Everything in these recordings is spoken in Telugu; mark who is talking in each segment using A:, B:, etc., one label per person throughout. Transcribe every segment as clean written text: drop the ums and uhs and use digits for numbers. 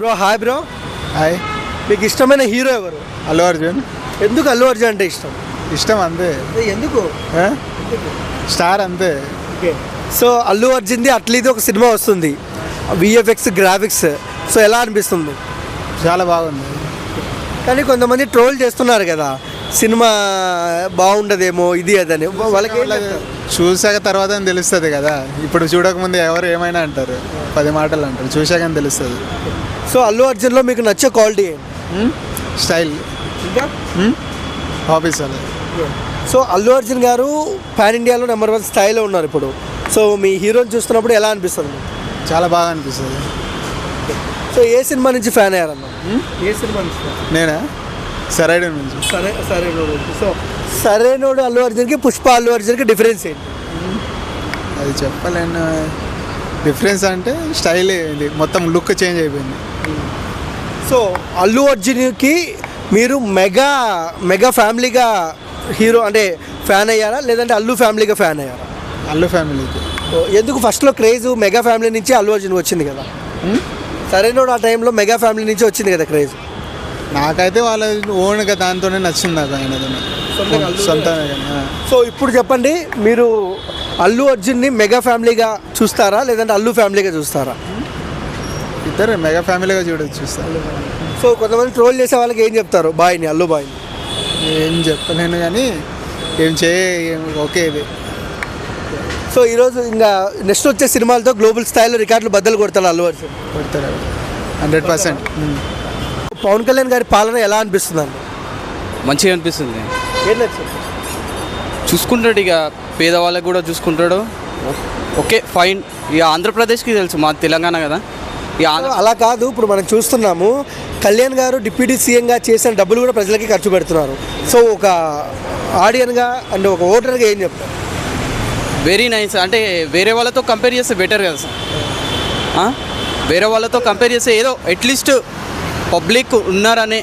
A: Bro hi bro.
B: హాయ్.
A: మీకు ఇష్టమైన హీరో ఎవరు?
B: అల్లు అర్జున్.
A: ఎందుకు అల్లు అర్జున్ అంటే ఇష్టం?
B: ఇష్టం అంతే.
A: ఎందుకు?
B: స్టార్ అంతే.
A: సో అల్లు అర్జున్ది అట్లీది ఒక సినిమా వస్తుంది, విఎఫ్ఎక్స్ గ్రాఫిక్స్. సో ఎలా అనిపిస్తుంది?
B: చాలా బాగుంది.
A: కానీ కొంతమంది ట్రోల్ చేస్తున్నారు కదా, సినిమా బాగుండదేమో ఇది అదని. వాళ్ళకి
B: చూసాక తర్వాత తెలుస్తుంది కదా, ఇప్పుడు చూడకముందు ఎవరు ఏమైనా అంటారు, 10 మాటలు అంటారు, చూసాక తెలుస్తుంది.
A: సో అల్లు అర్జున్లో మీకు నచ్చే క్వాలిటీ
B: స్టైల్,
A: ఇంకా
B: హాబీస్ అలా.
A: సో అల్లు అర్జున్ గారు పాన్ ఇండియాలో నెంబర్ 1 స్థాయిలో ఉన్నారు ఇప్పుడు. సో మీ హీరోని చూస్తున్నప్పుడు ఎలా అనిపిస్తుంది?
B: చాలా బాగా అనిపిస్తుంది.
A: సో ఏ సినిమా నుంచి ఫ్యాన్ అయ్యారన్న? ఏ సినిమా నుంచి?
B: నేనా? సరైన నుంచి.
A: సరైనోడు. సో సరైనోడు అల్లు అర్జున్కి, పుష్ప అల్లు అర్జున్కి డిఫరెన్స్ ఏంటి?
B: అది చెప్పలేను. డిఫరెన్స్ అంటే స్టైల్, ఇది మొత్తం లుక్ చేంజ్ అయిపోయింది.
A: సో అల్లు అర్జున్కి మీరు మెగా ఫ్యామిలీగా హీరో అంటే ఫ్యాన్ అయ్యారా, లేదంటే అల్లు ఫ్యామిలీగా ఫ్యాన్ అయ్యారా?
B: అల్లు ఫ్యామిలీకి.
A: ఎందుకు ఫస్ట్లో క్రేజ్ మెగా ఫ్యామిలీ నుంచి అల్లు అర్జున్ వచ్చింది కదా? సరైనోడు ఆ టైంలో మెగా ఫ్యామిలీ నుంచి వచ్చింది కదా క్రేజ్.
B: నాకైతే వాళ్ళ ఓన్గా దాంతోనే నచ్చింది నాకు, ఆయన సొంతంగా.
A: సో ఇప్పుడు చెప్పండి, మీరు అల్లు అర్జున్ని మెగా ఫ్యామిలీగా చూస్తారా, లేదంటే అల్లు ఫ్యామిలీగా చూస్తారా?
B: ఇద్దరు మెగా ఫ్యామిలీగా చూస్తారు.
A: సో కొంతమంది ట్రోల్ చేసే వాళ్ళకి ఏం చెప్తారు బాయ్ని, అల్లు బాయ్ని?
B: ఏం చెప్పలేను కానీ ఓకే ఇది.
A: సో ఈరోజు ఇంకా నెక్స్ట్ వచ్చే సినిమాలతో గ్లోబల్ స్థాయిలో రికార్డులు బద్దలు కొడతారు అల్లు అర్జున్.
B: కొడతారు 100%.
A: పవన్ కళ్యాణ్ గారి పాలన ఎలా అనిపిస్తుంది అండి?
C: మంచిగా అనిపిస్తుంది.
A: ఏం నచ్చింది?
C: చూసుకుంటాడు, ఇక పేదవాళ్ళకి కూడా చూసుకుంటాడు. Okay fine. ఇక ఆంధ్రప్రదేశ్కి తెలుసు, మా తెలంగాణ కదా. ఇక
A: అలా కాదు, ఇప్పుడు మనం చూస్తున్నాము కళ్యాణ్ గారు డిప్యూటీ సీఎంగా చేసిన డబ్బులు కూడా ప్రజలకి ఖర్చు పెడుతున్నారు. సో ఒక ఆడియన్గా అండ్ ఒక ఓటర్గా ఏం చెప్తారు?
C: Very nice. అంటే వేరే వాళ్ళతో కంపేర్ చేస్తే బెటర్ కదా సార్. వేరే వాళ్ళతో కంపేర్ చేస్తే ఏదో అట్లీస్ట్ పబ్లిక్ ఉన్నారనే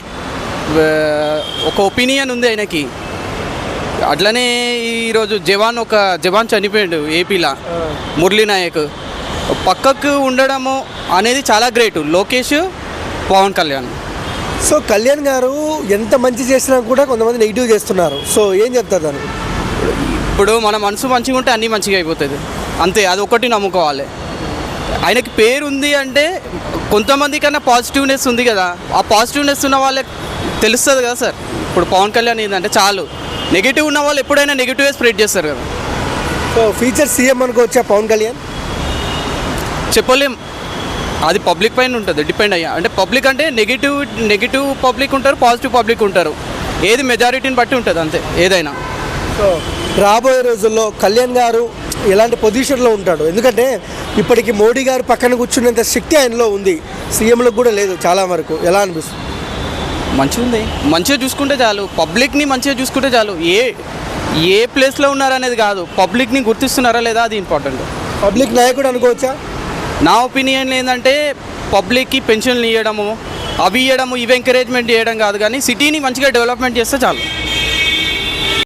C: ఒక ఒపీనియన్ ఉంది ఆయనకి. అట్లనే ఈరోజు జవాన్ చనిపోయాడు ఏపీలో, మురళీ నాయక్. పక్కకు ఉండడము అనేది చాలా గ్రేట్. లోకేష్, పవన్ కళ్యాణ్.
A: సో కళ్యాణ్ గారు ఎంత మంచి చేసినా కూడా కొంతమంది నెగిటివ్ చేస్తున్నారు. సో ఏం చెప్తారు దానికి?
C: ఇప్పుడు మన మనసు మంచిగా ఉంటే అన్నీ మంచిగా అయిపోతుంది అంతే, అది ఒకటి నమ్ముకోవాలి. ఆయనకి పేరు ఉంది అంటే కొంతమంది కన్నా పాజిటివ్నెస్ ఉంది కదా, ఆ పాజిటివ్నెస్ ఉన్న వాళ్ళకి తెలుస్తుంది కదా సార్. ఇప్పుడు పవన్ కళ్యాణ్ ఏంటంటే చాలు, నెగిటివ్ ఉన్న వాళ్ళు ఎప్పుడైనా నెగిటివ్గా స్ప్రెడ్ చేస్తారు కదా.
A: సో ఫ్యూచర్ సీఎం అనుకోవచ్చా పవన్ కళ్యాణ్?
C: చెప్పలేం, అది పబ్లిక్ పైన ఉంటుంది డిపెండ్ అయ్యా. అంటే పబ్లిక్ అంటే నెగిటివ్ పబ్లిక్ ఉంటారు, పాజిటివ్ పబ్లిక్ ఉంటారు. ఏది మెజారిటీని బట్టి ఉంటుంది అంతే ఏదైనా.
A: సో రాబోయే రోజుల్లో కళ్యాణ్ గారు ఎలాంటి పొజిషన్లో ఉంటాడు? ఎందుకంటే ఇప్పటికి మోడీ గారు పక్కన కూర్చునేంత శక్తి ఆయనలో ఉంది, సీఎంలకు కూడా లేదు చాలా వరకు. ఎలా అనిపిస్తుంది?
C: మంచిగా ఉంది, మంచిగా చూసుకుంటే చాలు, పబ్లిక్ని మంచిగా చూసుకుంటే చాలు. ఏ ప్లేస్లో ఉన్నారనేది కాదు, పబ్లిక్ని గుర్తిస్తున్నారా లేదా అది ఇంపార్టెంట్.
A: పబ్లిక్ నాయకుడు అనుకోవచ్చా?
C: నా ఒపీనియన్ ఏంటంటే పబ్లిక్కి పెన్షన్లు ఇవ్వడము, అవి ఇవ్వడము, ఇవి ఎంకరేజ్మెంట్ చేయడం కాదు, కానీ సిటీని మంచిగా డెవలప్మెంట్ చేస్తే చాలు.